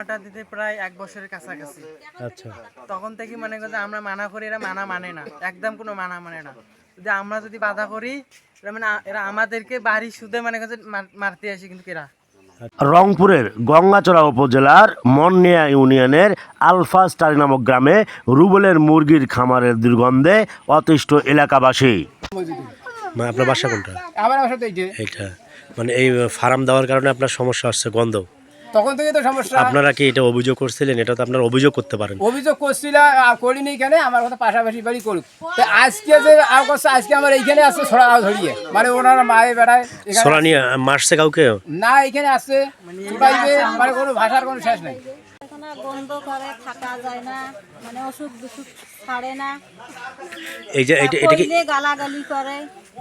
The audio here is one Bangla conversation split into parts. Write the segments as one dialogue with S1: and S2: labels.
S1: ওটা দিতে প্রায় 1 বছরের কাছাকাছি।
S2: আচ্ছা,
S1: তখন থেকে মনে করছে আমরা মানা করি, এরা মানা মানে না, একদম কোনো মানা মানে না। যদি আমরা যদি বাধা করি, এরা আমাদেরকে বাড়ি সুদে মনে করছে মারতে আসে, কিন্তু এরা
S2: রংপুরের গঙ্গাচড়া উপজেলার মননিয়া ইউনিয়নের আলফা স্টার নামক গ্রামে রুবেলের মুরগির খামারের দুর্গন্ধে অতিষ্ঠ এলাকাবাসী। আপনার বাসা কোনটা?
S3: আমার বাসা তো
S2: এইটা, মানে এই ফার্ম দেওয়ার কারণে আপনার সমস্যা হচ্ছে, গন্ধ।
S3: তখন থেকে তো সমস্যা।
S2: আপনারা কি এটা অভিযোগ করছিলেন? এটা তো আপনারা অভিযোগ করতে পারেন।
S3: অভিযোগ করছিলাম, করিনি কেন, আমার কথা পাশাপাশি বাড়ি করুক। তো আজকে যে আজকে আমার এইখানে আসছে ছড়া ধরিয়ে, মানে ওনারা মায়ে বেড়ায়
S2: ছড়া নিয়ে মারছে কাউকে?
S3: না, এখানে আসছে মানে কোনো ভাষার কোনো শেষ নাই।
S4: বন্ধ করে থাকা যায় না, মানে অসুখ বিসুখ ছাড়ে না।
S2: এই যে এটা কি
S4: গালাগালি করে।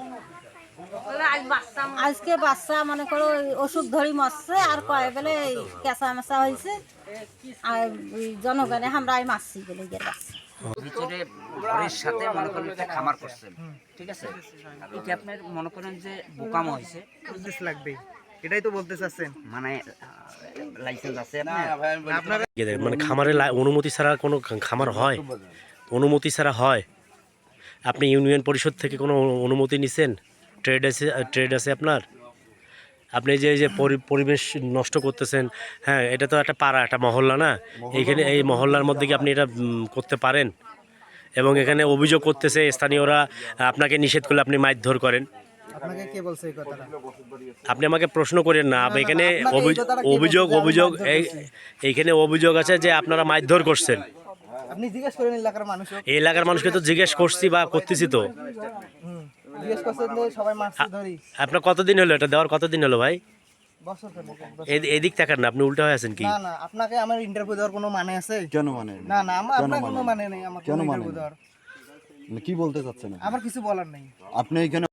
S4: আজকে বাচ্চা মনে করো অসুখ ধরি মরছে, আর কয় বলে কেঁচা মেচা হয়েছে, আর জনগণে আমরা মারছি বলে গেছে।
S5: ভিতরে ঘরের সাথে মনে করেন একটা খামার করছেন, ঠিক আছে? এটা আপনার মনে করেন যে বোকামো হয়েছে,
S1: লাগবে, এটাই তো বলতে চাচ্ছেন।
S5: মানে লাইসেন্স আছে
S1: আপনার
S2: মানে খামারের অনুমতি ছাড়া কোনো খামার হয়? অনুমতি ছাড়া হয়? আপনি ইউনিয়ন পরিষদ থেকে কোনো অনুমতি নিছেন? ট্রেড আছে আপনার? আপনি যে এই যে পরিবেশ নষ্ট করতেছেন, হ্যাঁ, এটা তো একটা পাড়া, একটা মহল্লা না? এইখানে এই মহল্লার মধ্যে কি আপনি এটা করতে পারেন? এবং এখানে অভিযোগ করতেছে স্থানীয়রা, আপনাকে নিষেধ করলে আপনি মারধর করেন।
S1: আপনাকে কে বলছে এই কথাটা?
S2: আপনি আমাকে প্রশ্ন করেন না। এখানে অভিযোগ এইখানে অভিযোগ আছে যে আপনারা মারধর করছেন।
S1: আপনি জিজ্ঞেস করেন এলাকার মানুষ,
S2: এই এলাকার মানুষকে তো জিজ্ঞেস করছি বা করতেছি তো।
S1: জিজ্ঞেস করছেন যে সবাই মারছে ধরি।
S2: আপনার কতদিন হলো এটা দেওয়ার? কতদিন হলো ভাই?
S1: বছর খানেক, এক বছর।
S2: এদিক তাকান না, আপনি উল্টা হয়ে আছেন কি?
S1: না না, আপনাকে আমার ইন্টারভিউ দেওয়ার কোনো মানে আছে?
S6: কেন মানে?
S1: না না, আপনার কোনো মানে নেই আমার
S6: কেন মানে?
S1: ইন্টারভিউ দেওয়ার।
S6: কি বলতে চাচ্ছেন?
S1: আমার কিছু বলার নেই।
S6: আপনি এখানে